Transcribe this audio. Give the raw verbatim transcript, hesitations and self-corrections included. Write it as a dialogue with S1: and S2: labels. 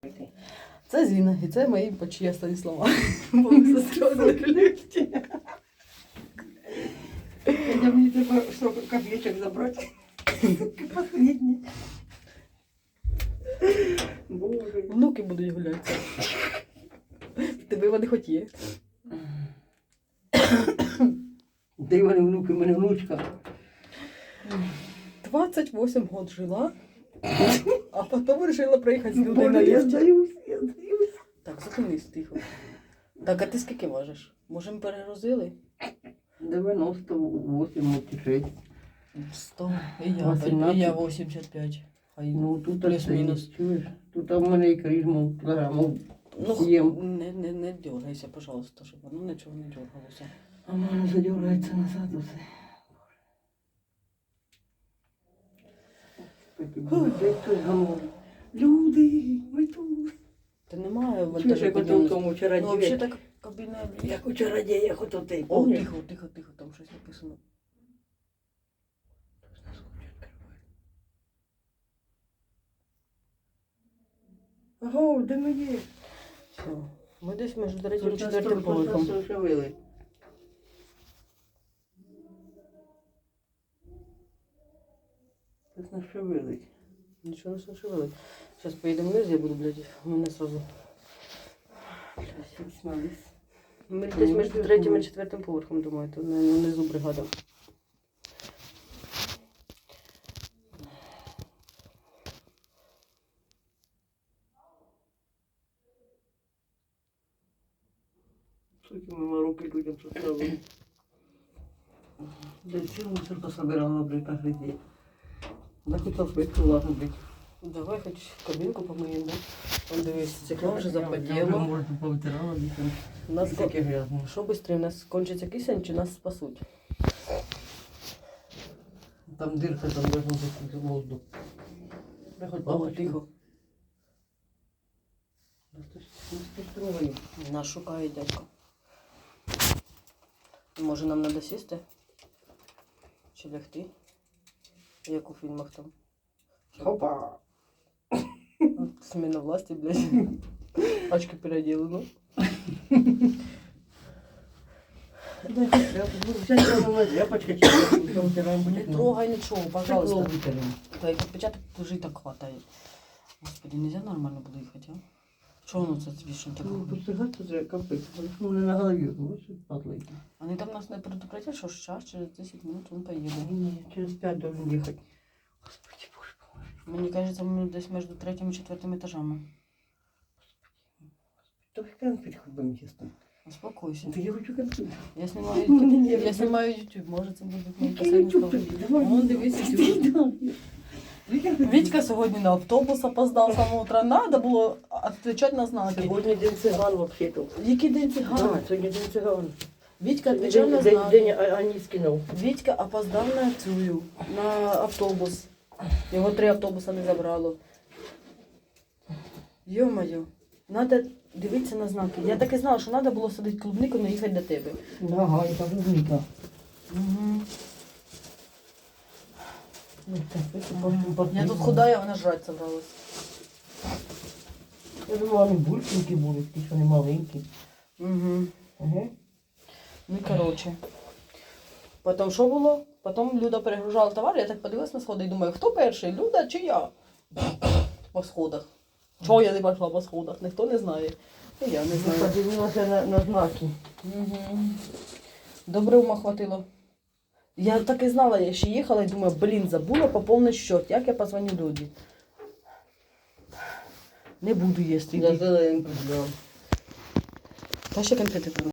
S1: Це Зіна, і це мої почесні слова. Бо ми застрягли в ліфті.
S2: Я мені треба сорок копійочок забрати. Последні. Боже.
S1: Внуки будуть гуляти. Тебе вони хоч є.
S2: Де вони внуки, в мене внучка.
S1: двадцять вісім років жила, а потім вирішила приїхати з людей на
S2: Боже, я
S1: ліфті.
S2: здаюсь, я здаюсь.
S1: Так, зупинись тихо. Так, а ти скільки важиш? Може, ми перегрузили?
S2: дев'яносто вісім, шість.
S1: сто. І я,
S2: вісімнадцять.
S1: і я вісімдесят п'ять. Хай.
S2: Ну, тут
S1: Плюс-мінус.
S2: ти, чуєш? Тут у мене і крижму кілограмів
S1: Ну,
S2: сім.
S1: не, не, не дергайся, пожалуйста, щоб воно нічого не дергалося.
S2: А в мене задергається назад усе. Де хтось говорить? Люди, ми тут.
S1: Та немає
S2: Чуєш,
S1: вантажу
S2: як ото в
S1: підйомності.
S2: тому
S1: Ну, взагалі
S2: чародії?
S1: так кабіна.
S2: Як у чародіях ото ти,
S1: О,
S2: помниш?
S1: тихо, тихо, тихо, там щось написано.
S2: Ага, де ми є?
S1: Все. Ми десь між третім і
S2: Тут нас
S1: четвертим
S2: трохи
S1: поверхом.
S2: зашевели. Тут нас шевелить.
S1: Нічого не шевелить. Зараз поїдемо вниз, я буду, блядь, у мене сразу.
S2: Сісмались.
S1: Ми десь між третім і четвертим поверхом, думаю, то не- внизу бригада.
S2: Скільки ми руки людям составили. Да цілу мусорку собирала, блядь, каждый день. Да хоть салфетку, ладно, блядь.
S1: Давай хоч кабінку помиємо, да? Там дивись, стекло вже
S2: Я вже,
S1: запотіло.
S2: може, повитирала, блядь, там
S1: У нас ко-
S2: таке грязне.
S1: що швидше, у нас кончиться кисень чи нас спасуть?
S2: Там дырка, там должен бути воздух. Я хоть
S1: О,
S2: бабочку.
S1: тихо.
S2: Да что ж, ну что ж ты говоришь?
S1: Нас шукає дядько. Може нам треба сісти? Чи лягти? Як у фільмах там.
S2: Опа!
S1: Смена власти, блядь. Очки переоділено.
S2: Дай хоть тряпку. Ну, взять прямо на тряпочку, чем вытираем
S1: Не
S2: будет. ну.
S1: трогай нічого,
S2: Стекло
S1: пожалуйста.
S2: вытянем.
S1: Та як відпечаток вже і так хватає. Господи, нельзя нормально було їхати, а? Чого воно це вічно так?
S2: Ну, постригаться треба капець. Ну, не на голові, ну, що падло.
S1: Вони там нас не предупредять, що час через десять минут він поїде.
S2: Ні, через п'ять должен їхати. Господи, Боже, поможи.
S1: Мені кажеться, ми десь між третім і четвертим етажами.
S2: То конфет хоть бы честно.
S1: Успокойся.
S2: Да я хочу конфет.
S1: Я знімаю
S2: Ну, ні,
S1: YouTube.
S2: ні,
S1: Я
S2: ні.
S1: знімаю YouTube. Може це буде мій
S2: Який
S1: останній
S2: YouTube
S1: спогад.
S2: тобі? Давай.
S1: Вон, дивись, YouTube. Вітька сьогодні на автобус опоздав з самого утра. Надо було відповідати на знаки.
S2: Сьогодні день циган вообще-то.
S1: Який день циган?
S2: Да, сьогодні день циган.
S1: Вітька
S2: Сьогодні
S1: відповідав на
S2: день,
S1: знаки.
S2: день, день Аніскінов.
S1: Вітька опоздав на цю, на автобус. Його три автобуса не забрало. Йо-моє, треба дивитися на знаки. Я так і знала, що треба було садити клубнику, не їхати до тебе.
S2: Ага, і там клубника.
S1: Угу.
S2: Ну, так, это
S1: Я тут худая, вона жрать собралась.
S2: Я думала, вони бульшенькі були, ті, що не маленькі.
S1: Угу.
S2: Ага.
S1: Ну і коротше. Потім що було? Потім Люда перегружала товар, я так подивилась на сходи і думаю, хто перший, Люда чи я? По сходах. Чого я не пішла по сходах, ніхто не знає. І я не
S2: Я
S1: знаю.
S2: подивилася на, на знаки.
S1: Угу. Добре ума хватило. Я так і знала, я ще їхала і думаю, блін, забула поповнити счет. Як я позвоню Люді? Не буду їсти.
S2: Я зеленку взяла.
S1: Та ще конфети.